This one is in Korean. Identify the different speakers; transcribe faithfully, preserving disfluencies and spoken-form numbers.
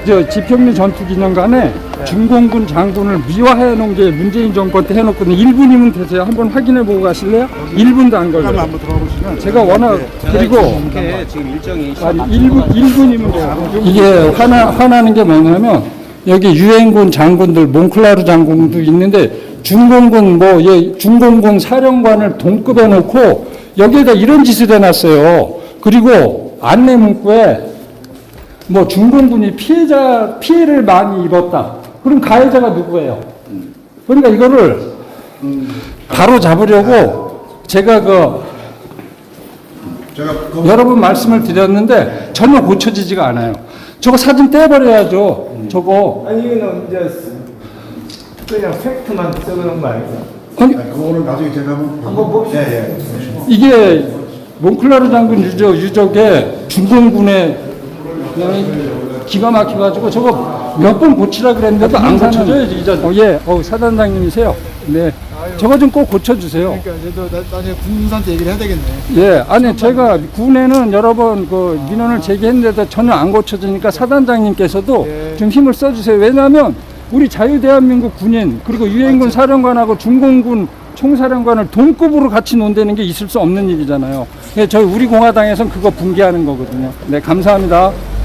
Speaker 1: 저 지평리 전투기념관에 중공군 장군을 미화해 놓은 게 문재인 정권 때 해놓거든요. 일 분이면 되세요. 한번 확인해 보고 가실래요? 일 분도 안 걸려요.
Speaker 2: 한번 들어가 보시면
Speaker 1: 제가 워낙 그리고
Speaker 3: 이렇게 지금 일정이
Speaker 1: 아니 일 분 일 분이면 돼요. 이게 화나 화나는 게 뭐냐면 여기 유엔군 장군들 몽클라르 장군도 있는데 중공군 뭐 예, 중공군 사령관을 동급해 놓고 여기에다 이런 짓을 해놨어요. 그리고 안내 문구에 뭐 중공군이 피해자 피해를 많이 입었다. 그럼 가해자가 누구예요? 그러니까 이거를 바로 잡으려고 제가 그
Speaker 2: 제가 그거
Speaker 1: 여러 번 말씀을 드렸는데 전혀 고쳐지지가 않아요. 저거 사진 떼버려야죠. 저거
Speaker 4: 아니 이거는 이제 그냥 팩트만 써놓은 거 아니에요?
Speaker 1: 아니
Speaker 2: 아니, 그거는 나중에 제가 한번
Speaker 4: 한번 봅시다.
Speaker 2: 예, 예.
Speaker 1: 이게 몽클라르 장군 유적, 유적에 중공군의 기가 막혀가지고 저거 몇 번 고치라 그랬는데도 안 고쳐져요. 이제 어, 예, 어, 사단장님이세요. 네, 저거 좀 꼭 고쳐주세요.
Speaker 5: 그러니까 저도 나- 나중에 군사한테 얘기를 해야 되겠네.
Speaker 1: 예, 아니 제가 군에는 여러 번 그 민원을 제기했는데도 전혀 안 고쳐지니까 사단장님께서도
Speaker 5: 예.
Speaker 1: 좀 힘을 써주세요. 왜냐하면 우리 자유대한민국 군인 그리고 유엔군 사령관하고 중공군 총사령관을 동급으로 같이 논다는 게 있을 수 없는 일이잖아요. 예, 저희 우리 공화당에서는 그거 붕괴하는 거거든요. 네, 감사합니다.